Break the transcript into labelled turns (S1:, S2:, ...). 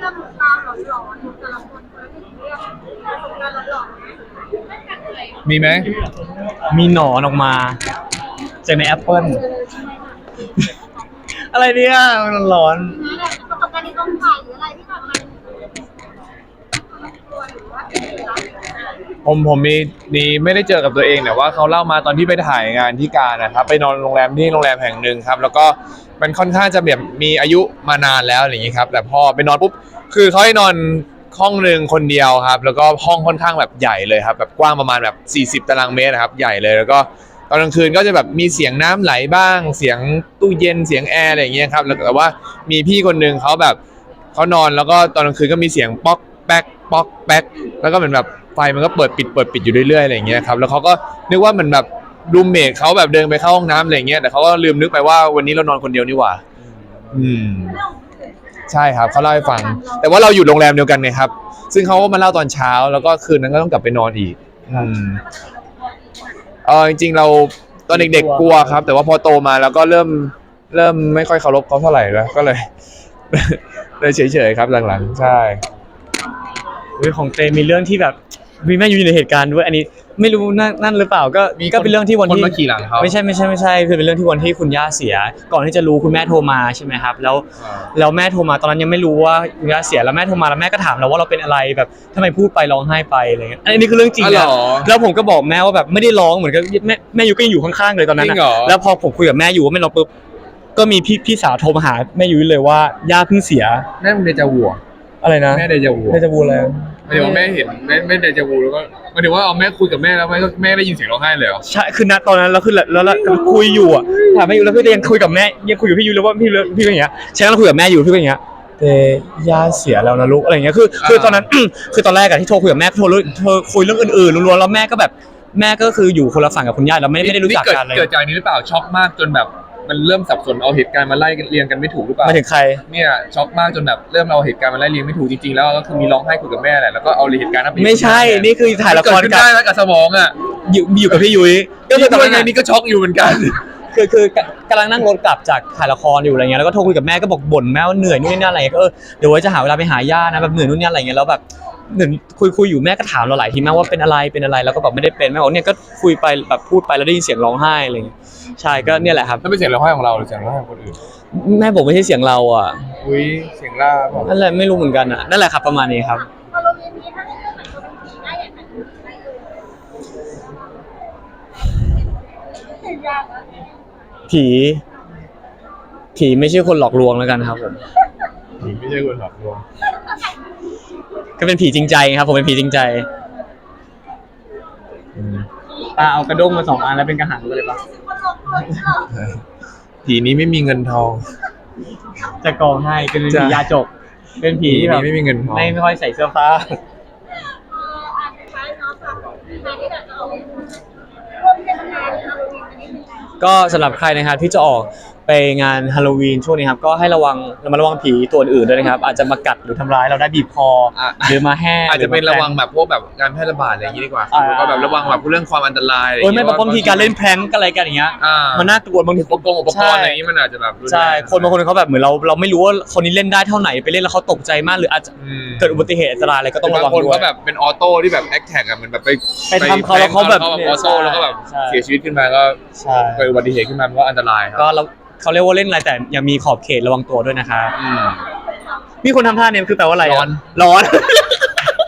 S1: จะหมุนตามหลอนๆแต่ละคนคนละหนึ่งเรื่องประสบการณ์หลอนๆ
S2: มีไหม
S3: มีหนอนออกมาจากในแอปเปิลอะไรเนี่ยมันร้อน
S1: ประสบการณ์ในกองถ่ายหรืออะไรที่แบบมันกลัวหรือว่าเป็นอะไร
S2: ผมมีไม่ได้เจอกับตัวเองแต่ว่าเขาเล่ามาตอนที่ไปถ่ายงานที่กาญนะครับไปนอนโรงแรมที่โรงแรมแห่งหนึ่งครับแล้วก็มันค่อนข้างจะแบบมีอายุมานานแล้วอย่างนี้ครับแต่พอไปนอนปุ๊บคือเขาให้นอนห้องหนึ่งคนเดียวครับแล้วก็ห้องค่อนข้างแบบใหญ่เลยครับแบบกว้างประมาณแบบ40 ตารางเมตรนะครับใหญ่เลยแล้วก็ตอนกลางคืนก็จะแบบมีเสียงน้ำไหลบ้างเสียงตู้เย็นเสียงแอร์อะไรอย่างเงี้ยครับแล้วแต่ว่ามีพี่คนหนึ่งเขาแบบเขานอนแล้วก็ตอนกลางคืนก็มีเสียงป๊อกแป๊กป๊อกแป๊กแล้วก็เหมือนแบบไฟมันก็เปิดปิดอยู่เรื่อยๆอะไรอย่างเงี้ยครับแล้วเขาก็นึกว่าเหมือนแบบรูมเมทเขาแบบเดินไปเข้าห้องน้ำอะไรอย่างเงี้ยแต่เขาก็ลืมนึกไปว่าวันนี้เรานอนคนเดียวนี่หว่าใช่ครับเขาเล่าให้ฟังแต่ว่าเราอยู่โรงแรมเดียวกันไงครับซึ่งเขาก็มาเล่าตอนเช้าแล้วก็คืนนั้นก็ต้องกลับไปนอนอีกจริงๆเราตอนเด็กๆกลัวครับแต่ว่าพอโตมาแล้วก็เริ่มไม่ค่อยเคารพเขาเท่าไหร่แล้วก็เลย เลยเฉยๆครับหลังๆใช่
S3: ของเตมีเรื่องที่แบบมีแม่อยู่ในเหตุการณ์ด้วยอันนี้ไม่รู้นั่นหรือเปล่าก็เป็นเรื่องที่วันที่
S2: คนมาขี่หลังเขา
S3: ไม่ใช่คือเป็นเรื่องที่วันที่คุณย่าเสียก่อนที่จะรู้คุณแม่โทรมาใช่ไหมครับแล้วแม่โทรมาตอนนั้นยังไม่รู้ว่าคุณย่าเสียแล้วแม่โทรมาแล้วแม่ก็ถามเราว่าเราเป็นอะไรแบบทำไมพูดไปร้องไห้ไปอะไรเงี้ยอันนี้คือเรื่องจริงนะแล้วผมก็บอกแม่ว่าแบบไม่ได้ร้องเหมือนกับแม่ยูก็ยังอยู่ข้างๆเลยตอนนั้นแล้วพอผมคุยกับแม่ยูว่าไม่ร้องปุ๊บก็มีพี่สาวโทรมาหาแม่ยูเลยว่าย่าเพิ่งเสีย
S2: แม่มึงเดจาวู
S3: อะไรนะ
S2: แม่เดจาวู
S3: เดจาวูอะไร
S2: หมายถึงว่าแม่เห็นแม่เดจาวูแล้วก็หมายถึงว่าเอาแม่คุยกับแม่แล้วแม่ได้ยินเสียงร้องไห้เลยเหรอ
S3: ใช่คือณตอนนั้นเราคือแล้วคุยอยู่อ่ะถามแม่อยู่แล้วพี่ยังคุยกับแม่ยังคุยกับพี่อยู่เลยว่าพี่เป็นอย่างเงี้ยฉันก็คุยกับแม่อยู่พี่เป็นอย่างเงี้ยแต่ย่าเสียแล้วนะลูกอะไรเงี้ยคือตอนนั้น คือตอนแรกอะที่โทรคุยกับแม่โทรคุยเรื่องอื่นๆล้วนๆแล้วแม่ก็แบบแม่ก็คืออยู่คนละฝั่งกับคุณย่าเราไม่ได้รู้จักกันเลย
S2: เกิดจากนี้หรือเปล่าช็อกมากจนแบบมันเริ่มสับสนเอาเหตุการณ์มาไล่เรียงกันไม่ถูกหรือเปล่า
S3: มาถึงใคร
S2: เนี่ยช็อกมากจนแบบเริ่มเอาเหตุการณ์มาไล่เรียงไม่ถูกจริงๆแล้วก็คือมีร้องไห้คุยกับแม่แหละแล้วก็เอาเหตุการณ์นั้น
S3: ไม่ใช่นี่คือถ่ายละคร
S2: กันได้แล้วกับสมองอ่ะ
S3: อยู่กับพี่ยุ้ย
S2: ก็คือตอนนี้ก็ช็อกอยู่เหมือนกัน
S3: คือกำลังนั่งรถกลับจากถ่ายละครอยู่อะไรเงี้ยแล้วก็โทรคุยกับแม่ก็บอกบ่นแม่ว่าเหนื่อยนู่นนี่นั่นอะไรก็เดี๋ยวไว้จะหาเวลาไปหาย่านะแบบเหนื่อยนู่นนี่อะไรเงี้ยแล้วแบบเหมือนคุยอยู่แม่ก็ถามเราหลายทีแม่ว่าเป็นอะไรแล้วก็แบบไม่ได้เป็นแม่บอกเนี่ยก็คุยไปแบบพูดไปแล้วได้ยินเสียงร้องไห้อะไรเงี้ยใช่ก็เนี่ยแหละครับ
S2: ถ้าเป็นเสียงร้องไห้ของเราหรือเสียงร้องไห้ของคนอื่น
S3: แม่บอกไม่ใช่เสียงเราอ่ะ
S2: อุ้ยเสียงล่า
S3: นั่นแหละไม่รู้เหมือนกันอ่ะนั่นแหละครับประมาณนี้ครับ
S1: พอเราเรียนนี้ถ้าเรื่องแต่งตัวเป็นผีได้อย่างไรยากนะ
S3: ผีไม่ใช่คนหลอกลวงแล้วกันครับผม
S2: ไม่ใช่คนหลอกลวง
S3: ก็เป็นผีจริงใจครับผมเป็นผีจริงใจตาเอากระด้งมา2 อันแล้วเป็นกระหังไปเลยปะ
S2: ผีนี้ไม่มีเงินทอง
S3: จะกองให้เป็นผียาจกเป็นผีที่แบบ
S2: ไม่มีเงินทอง
S3: ไม่ค่อยใส่เสื้อผ้า
S1: อาจจะใช้เนาะค่ะในที่แบบจะเอาร่วมเทศกาลฮาโลวีนอันนี้เหมือนกัน
S3: ก็สำหรับใครนะครับที่จะออกไปงานฮาโลวีนช่วงนี้ครับก็ให้ระวังผีตัวอื่นด้วยนะครับอาจจะมากัดหรือทำร้ายเราได้บีบคอหรือมาแห้
S2: อาจจะเป็นระวังแบบพวกแบบการแพร่ระบาดอะไรอย่างนี้ดีกว่าแล้วก็แบบระวังแบบเรื่องความอันตรายอะไรอย่างเงี้ย
S3: ไม่บางทีการเล่นแพร้งอะไรกันอย่างเงี้ยมันน่ากลัวบางที
S2: อุปกรณ์อะไรอย่างนี้มันอาจจะแบบ
S3: ใช่คนบางคนเขาแบบเหมือนเราไม่รู้ว่าคนนี้เล่นได้เท่าไหร่ไปเล่นแล้วเขาตกใจมากหรืออาจจะเกิดอุบัติเหตุอันตรายอะไรก็ต้องระวังด้วย
S2: บางคนก็แบบเป็นออโต้ที่แบบแอคแท็กอะมันแบบ
S3: ไปทำเขาแล้วเขาแบบ
S2: ออโต้แล้วก็แบบเสียชีวิตขึ้นมาก็เกิดอุบัติเหตุขึ้นมาก็อันตรายครับ
S3: ก็เขาเรียกว่าเล่นอะไรแต่ยังมีขอบเขตระวังตัวด้วยนะครับมีคนทำท่าเนี่ยคือแปลว่าอะไรร้อน